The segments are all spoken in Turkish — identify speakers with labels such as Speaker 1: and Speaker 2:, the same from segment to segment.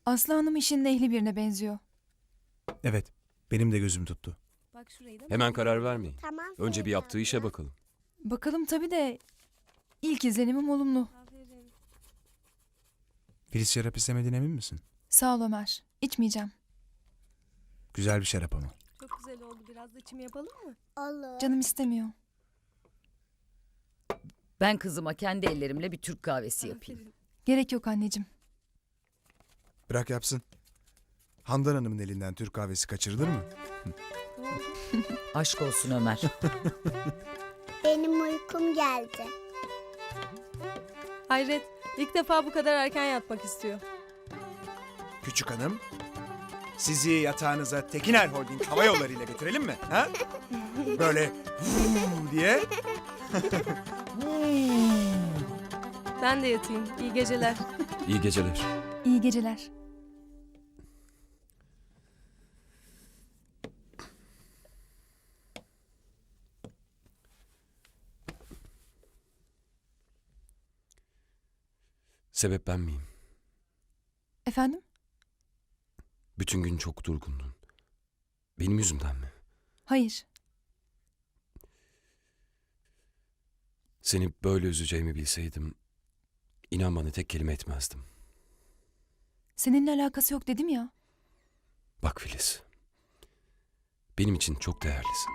Speaker 1: Aslı Hanım işinin ehli birine benziyor.
Speaker 2: Evet, benim de gözüm tuttu.
Speaker 3: Bak şurayı da
Speaker 4: Hemen karar vermeyin.
Speaker 5: Tamam.
Speaker 4: Önce bir
Speaker 5: Feride
Speaker 4: yaptığı işe
Speaker 5: abla.
Speaker 4: bakalım.
Speaker 1: Bakalım tabii de ilk izlenimim olumlu.
Speaker 3: Aferin.
Speaker 2: Filiz şarap istemediğine emin misin?
Speaker 1: Sağ ol Ömer. İçmeyeceğim.
Speaker 2: Güzel bir şarap ama.
Speaker 3: Çok güzel oldu. Biraz da çim yapalım mı?
Speaker 5: Olur.
Speaker 1: Canım istemiyor.
Speaker 6: Ben kızıma kendi ellerimle bir Türk kahvesi yapayım.
Speaker 3: Aferin.
Speaker 1: Gerek yok anneciğim.
Speaker 2: Bırak yapsın. Handan Hanım'ın elinden Türk kahvesi kaçırılır mı?
Speaker 6: Aşk olsun Ömer.
Speaker 5: Benim uykum geldi.
Speaker 3: Hayret. İlk defa bu kadar erken yatmak istiyor.
Speaker 2: Küçük hanım, sizi yatağınıza Tekiner Holding hava yolları ile götürelim mi? Ha? Böyle diye.
Speaker 3: Ben de yatayım. İyi geceler.
Speaker 4: İyi geceler.
Speaker 1: İyi geceler.
Speaker 4: Sebep ben miyim?
Speaker 1: Efendim?
Speaker 4: Bütün gün çok durgundun. Benim yüzümden mi?
Speaker 1: Hayır.
Speaker 4: Seni böyle üzeceğimi bilseydim, inan bana tek kelime etmezdim.
Speaker 1: Seninle alakası yok dedim ya.
Speaker 4: Bak Filiz, benim için çok değerlisin.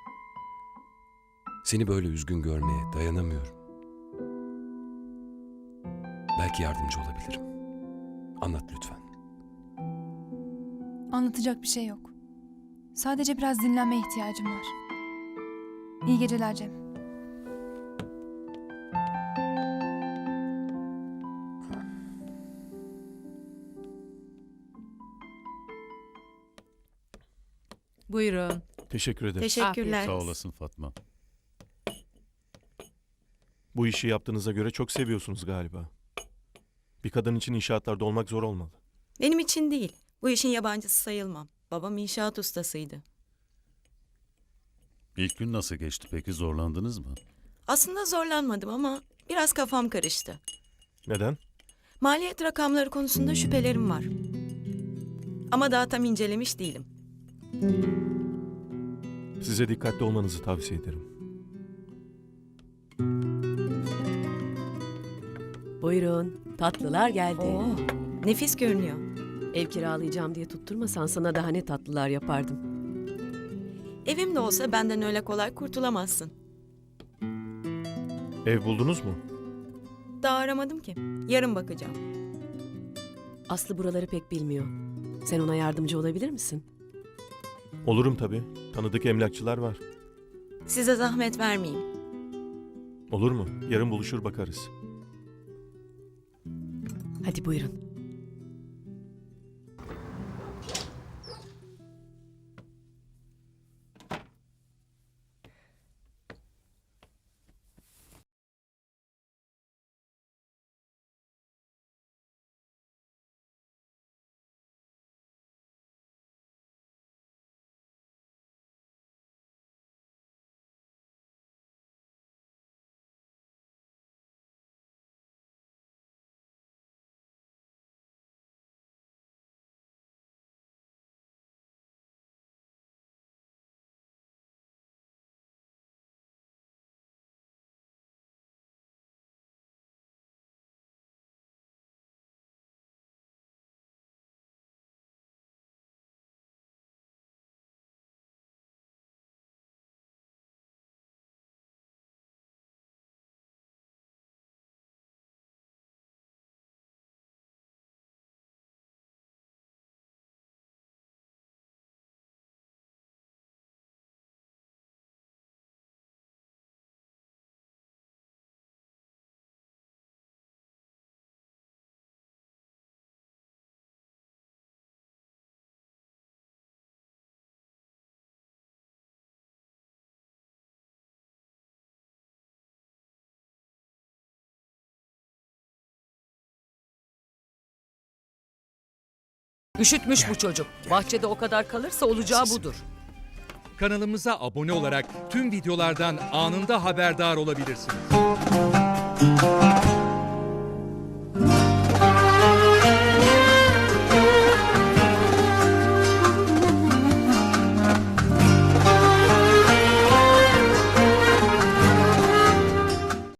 Speaker 4: Seni böyle üzgün görmeye dayanamıyorum. Belki yardımcı olabilirim. Anlat lütfen.
Speaker 1: Anlatacak bir şey yok. Sadece biraz dinlenmeye ihtiyacım var. İyi geceler Cem.
Speaker 7: Buyurun.
Speaker 8: Teşekkür ederim.
Speaker 7: Teşekkürler.
Speaker 8: Sağ olasın Fatma. Bu işi yaptığınıza göre çok seviyorsunuz galiba. Bir kadın için inşaatlarda olmak zor olmalı.
Speaker 7: Benim için değil. Bu işin yabancısı sayılmam. Babam inşaat ustasıydı.
Speaker 9: İlk gün nasıl geçti peki, zorlandınız mı?
Speaker 7: Aslında zorlanmadım ama biraz kafam karıştı.
Speaker 8: Neden?
Speaker 7: Maliyet rakamları konusunda şüphelerim var. Ama daha tam incelemiş değilim.
Speaker 8: Size dikkatli olmanızı tavsiye ederim.
Speaker 10: Buyurun, tatlılar geldi.
Speaker 7: Oo, nefis görünüyor.
Speaker 10: Ev kiralayacağım diye tutturmasan sana daha ne tatlılar yapardım.
Speaker 7: Evim de olsa benden öyle kolay kurtulamazsın.
Speaker 8: Ev buldunuz mu?
Speaker 7: Daha aramadım ki. Yarın bakacağım.
Speaker 10: Aslı buraları pek bilmiyor. Sen ona yardımcı olabilir misin?
Speaker 8: Olurum tabii. Tanıdık emlakçılar var.
Speaker 7: Size zahmet vermeyeyim.
Speaker 8: Olur mu? Yarın buluşur bakarız.
Speaker 10: Hadi buyurun.
Speaker 6: Üşütmüş bu çocuk. Bahçede o kadar kalırsa olacağı budur.
Speaker 11: Kanalımıza abone olarak tüm videolardan anında haberdar olabilirsiniz.